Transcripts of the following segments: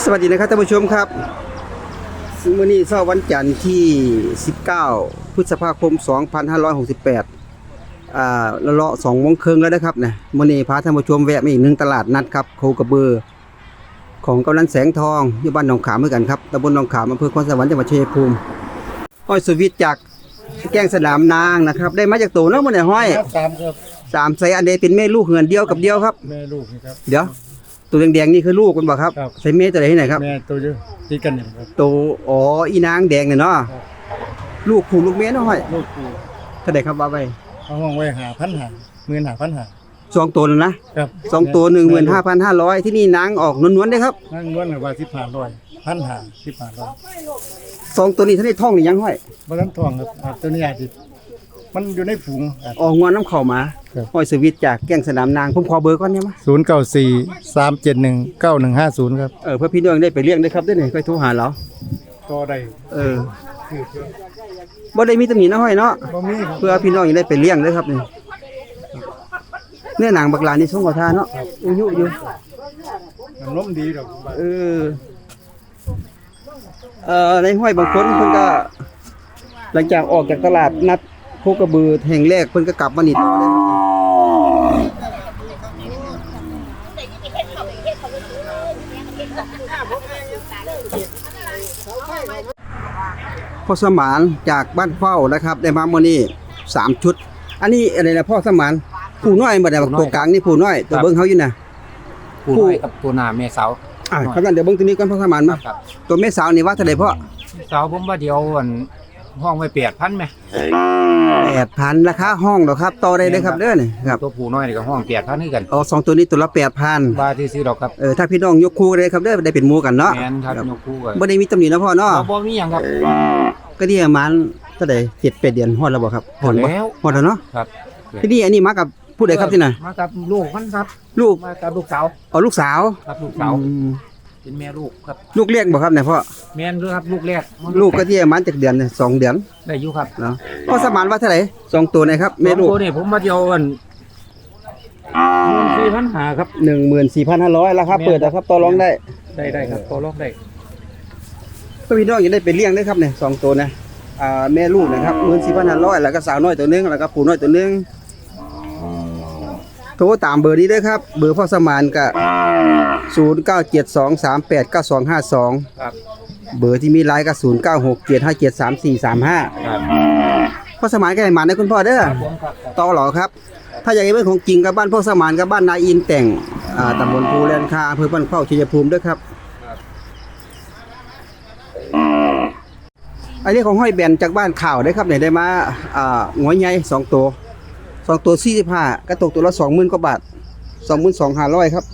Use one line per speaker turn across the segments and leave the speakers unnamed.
วัสดีนะครับท่านผู้ชมครับมื้อนี้เช้าวันจันทร์ที่19พฤษภาคม2568เลาะ2 โมงครึ่งแล้วนะครับนะมื้อนี้พาท่านผู้ชมแวะมาอีก1ตลาดนัดครับโคกระบือของกำนันแสงทองอยู่บ้านหนองขามเหมือนกันครับตำบลหนองขามอำเภอคอนสวรรค์จังหวัดชัยภูมิห้อยสวิตจากแก้งสนามนางนะครับได้มาจากตัวเนาะมื้อนี้ห้อย
ครับ
3ไซอันใดเป็นแม่ลูกเหือนเดียวกับเดียวครับ
แม่ลูกนี่ครับ
เดี๋ยวตัวแดงๆนี่คือลูกคุณบ่ครับ
ครับ
ใส่เมตัวไหนที่ไหนครับ
แม่ตัวเยอะตีกันอยู่ครับ
ตัวอ๋ออีนางแดงเนี่ยเนาะลูกผู้ลูกเมียเนาะห้อย
ลูกกู
เท่าไหร่ครับว่าไป
เอาห้องไว้15,000
2 ตัวแล้วนะครับ2ตัว 15,500 ที่นี่นางออกนวลๆได้ครับ
นั่งล้วนเลยว่า15,000
2ตัวนี้ท่านได้ท่องหรือยังห้อย
บ่ทันทองครับตัวนี้อาจสิมันอยู่ในฝูง
ออกงอนน้ำเข้ามา
ครับ
ห้อยสวิตจากแก้งสนามนางผมขอเบอร์ก่อนได้มั้ย
0943719150ครับ
เพื่อพี่น้องได้ไปเลี้ยงได้ครับได้นี่ค่อยโทรหาเรา
ก็ได้
บ่ได้มีตำหนินะห้อยเนาะ
บ่มีครับ
เพื่อพี่น้องได้ไปเลี้ยงได้ครับนี่เนื้อหนังบักลานี่สงขอทานเนาะอายุอยู่
มันล้มดีดอก
ในห้อยบางคนเพิ่นก็หลังจากออกจากตลาดนัดโคกระบือแห่งแรกเพิ่นก็กลับมานี่ต่อเลยพ่อสมานจากบ้านเฝ้านะครับได้มามื้อนี้3ชุดอันนี้อะไรนะพ่อสมานผู้น้อยบ่ได้ตัวกลางนี่ผู้น้อยตัวเบิ่งเฮาอยู่น่ะ
ผู้น้อยกับตัวหน้าแม่สาว
ครับนั่นเดี๋ยวเบิ่งตัวนี้ก่อนพ่อสมานมา
ครับ
ตัวแม่สาวนี่ว่าเท่าใดพ่อ
สาวผมว่าเดียวอันห้องไว้8,000ไหม
8,000ราคาห้องดอกครับต่อได้เลยครับเด้อนี่ครับ
ตัวผู้น้อยนี่ก็ห้อง8,000คือกัน
เอา2ตัวนี้ตัวละ8,000
บาทที่ซื้อดอกครับ
ถ้าพี่น้องยกคู่เลยครับเด้อได้เป็นหมู่กันเนาะ
แม่นครับยกคู่กัน
บ่ได้มีตำหนินะพ่อเนาะ
บ่มีหยังครับ
ก็ที่ประมาณเท่าใด7-8 เดือนฮอดแล้วบ่ครับฮอดบ่
แล้ว
ฮอดแล้วเนาะ
ครับ
ที่นี่อันนี้มากับผู้ใดครับที่น่ะ
มากับลูกมันครับ
ลูก
มากับลูกสาว
เอาลูกสาว
ครับลูกสาว
อืม
เป็นแม่ลูกครับ
ลูกเลี้ยงบ่ครับเนี่ยพ่อ
แม่นด้วยครับลูกแรก
ลูกก็ที่ประมาณจักเดือนเนี่ย2 เดือน
ได้อยู่ครับ
เนาะพ่อสมานว่าเท่าไหร่2ตัวนะครับแม่ลูก
ตัวนี้ผมมาเดียวอัน14,500ครับ
14,500ราคาเปิดนะครับต่อรองได้
ได้ครับต่อรองได้
ก็พี่น้องอย่าได้ไปเลี้ยงได้ครับเนี่ย2ตัวนะแม่ลูกนะครับ14,500แล้วก็สาวน้อยตัวนึงแล้วก็ผู้น้อยตัวนึงโทรตามเบอร์นี้เด้อครับเบอร์พ่อสมานก็0972389252
ครับ
เบอร์ที่มีไลน์ก็0967573435
ครับ
พ่อสมานก็ให้หมานนะคุณพ่อเด้อ
ผมครับ
ต่อหรอครับ ถ้าอยากให้เป็นของจริงกับบ้านพ่อสมานกับบ้านนายอินแต่งตำบลภูแลนคาอำเภอบ้านเข้าชัยภูมิเด้อครับอันนี้ของห้อยแบนจากบ้านข่าวได้ครับเนี่ยได้มาหัวใหญ่2ตัว45ก็ตกตัวละ 20,000 กว่าบาท 22,500 ครับ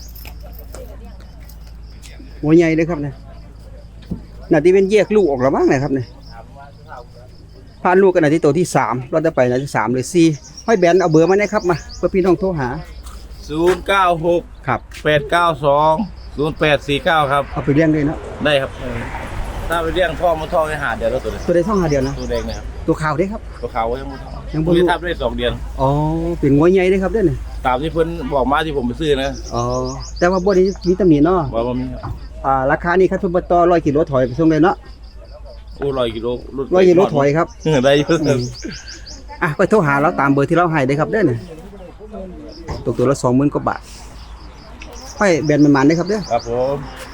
หัวใหญ่เด้อครับเนี่ยน่าที่เป็นแยกลูกออกแล้วมั้งเนี่ยครับเนี่ยพานลูกกันน่ะที่ตัวที่3เราจะไปน่ะที่3หรือ4ห้อยแบนเอาเบอร์มาได้ครับมาเพื่อพี่น้องโทรหา
096
ครับ
892 0849 ครับ
เอาไปเลี้ยงด้วยเนาะ
ได้ครับถ้าไปเลี้ยงท่อมันท่อให้หาเดือนแล้วตัวนี้
ตัวได้ท่องหาเดียวนะ
ตัวแดงเนี่ยครับ
ตัวขาวได้ครับ
ตัวขาวยังไม่ท่อ
ยังบ่
ไม่
รู้
ทับได้2 เดือน
อ๋อเป็นหัวใหญ่ได้ครับเด้อเนี่ย
ตามที่เพิ่นบอกมาที่ผมไปซื้อนะ
อ๋อแต่ว่าบ่ได้มีตำหนิเนาะ
ว่ามีครับ
ราคานี่ครับทุบต่อ100 กิโลถอยไปส่งเลยเนาะ
โอ้100 กิโล
100 กิโลถอยครับ
ได้อยู่
ไปโทรหาเราตามเบอร์ที่เราให้ได้ครับเด้อเนี่ยตกตัวละ 20,000 กว่าบาทห้อยแบนมันๆได้ครับเด้อ
ครับผม